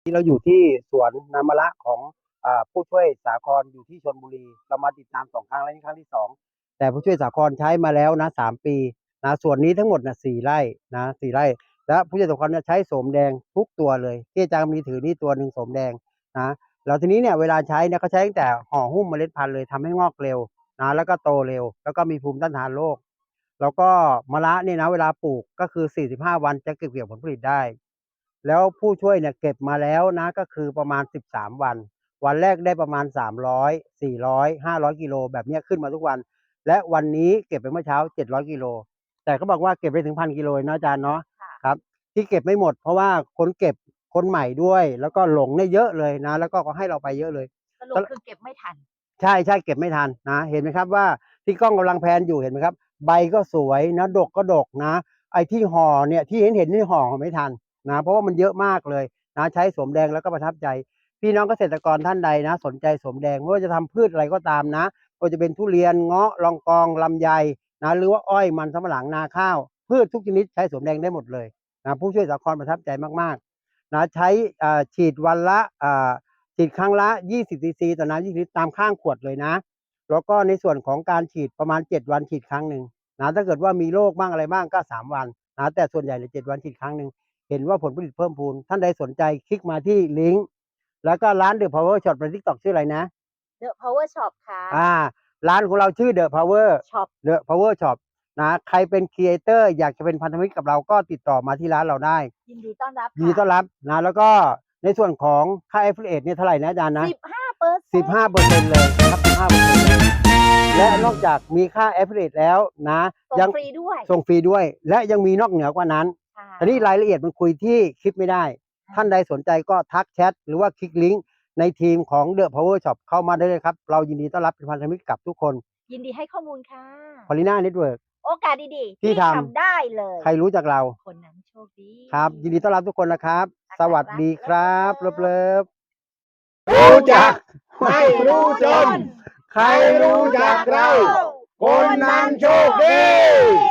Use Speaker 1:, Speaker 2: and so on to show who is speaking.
Speaker 1: ที่เราอยู่ที่สวนน้ำมะระของผู้ช่วยสาครอยู่ที่ชลบุรีเรามาติดตาม2 ครั้งแล้วนี่ครั้งที่2แต่ผู้ช่วยสาครใช้มาแล้วนะ3 ปีนะส่วนนี้ทั้งหมดนะ4 ไร่นะ4 ไร่แล้วผู้ช่วยสาครใช้โสมแดงทุกตัวเลยที่อาจารย์มีถือนี่ตัวหนึ่งโสมแดงนะแล้วทีนี้เนี่ยเวลาใช้เนี่ยเขาใช้ตั้งแต่ห่อหุ้มเมล็ดพันธุ์เลยทำให้งอกเร็วนะแล้วก็โตเร็วแล้วก็มีภูมิต้านทานโรคแล้วก็มะระเนี่ยนะเวลาปลูกก็คือ45 วันจะเก็บเกี่ยวผลผลิตได้แล้วผู้ช่วยเนี่ยเก็บมาแล้วนะก็คือประมาณ13 วันวันแรกได้ประมาณ300 400 500 กิโลแบบนี้ขึ้นมาทุกวันและวันนี้เก็บไปเมื่อเช้า700 กิโลแต่เขาบอกว่าเก็บได้ถึง1,000 กิโลนะอาจารย์เนาะครับที่เก็บไม่หมดเพราะว่าคนเก็บคนใหม่ด้วยแล้วก็หลงเนี่ยเยอะเลยนะแล้วก็ให้เราไปเยอะเลย
Speaker 2: สรุปคือเก็บไม่ทัน
Speaker 1: ใช่ใช่เก็บไม่ทันนะเห็นไหมครับว่าที่กล้องกำลังแพนอยู่เห็นไหมครับใบก็สวยนะดกก็ดกนะไอ้ที่ห่อเนี่ยที่เห็นนี่ห่อไม่ทันนะเพราะว่ามันเยอะมากเลยนะใช้สมแดงแล้วก็ประทับใจพี่น้องเกษตรกรท่านใดนะสนใจสมแดงไม่ว่าจะทำพืชอะไรก็ตามนะก็จะเป็นทุเรียนเงาะลองกองลำไยนะหรือว่าอ้อยมันสำปะหลังนาข้าวพืชทุกชนิดใช้สมแดงได้หมดเลยนะผู้ช่วยสาครประทับใจมากๆนะใช้ฉีดวันละฉีดครั้งละ20 ซีซีต่อน้ำ20 ลิตรตามข้างขวดเลยนะแล้วก็ในส่วนของการฉีดประมาณ7 วันฉีดครั้งหนึ่งนะถ้าเกิดว่ามีโรคบ้างอะไรบ้างก็3 วันนะแต่ส่วนใหญ่เลย7 วันฉีดครั้งหนึ่งเห็นว่าผลผลิตเพิ่มพูนท่านใดสนใจคลิกมาที่ลิงก์แล้วก็ร้าน The Power Shop ใน TikTok ชื่ออะไรนะ
Speaker 2: The Power Shop ค่ะ
Speaker 1: ร้านของเราชื่อ The Power Shop The Power Shop นะใครเป็นครีเอเตอร์อยากจะเป็นพันธมิตรกับเราก็ติดต่อมาที่ร้านเราได้
Speaker 2: ยินดีต้อนรับ
Speaker 1: ยินดีต้อนรับนะแล้วก็ในส่วนของค่า Affiliate เนี่ยเท่าไหร่นะอาจารย์นะ15%เลยครับ15%เลยและนอกจากมีค่า Affiliate แล้วนะ
Speaker 2: ส่งฟรีด้วย
Speaker 1: ส่งฟรีด้วยและยังมีนอกเหนือกว่านั้นแต่นี่รายละเอียดมันคุยที่คลิปไม่ได้ท่านใดสนใจก็ทักแชทหรือว่าคลิกลิงก์ในทีมของ The Power Shop เข้ามาได้เลยครับเรายินดีต้อนรับเป็นพันธมิตรกับทุกคน
Speaker 2: ยินดีให้ข้อมูลค่ะ
Speaker 1: Paulina Network
Speaker 2: โอกาสดีๆที่ทำได้เลย
Speaker 1: ใครรู้จักเรา
Speaker 2: คนนั้นโชคดี
Speaker 1: ครับยินดีต้อนรับทุกคนนะครับสวัสดีครับเลิฟ
Speaker 3: รู้จักไม่รู้จนใครรู้จักเราคนนั้นโชคดี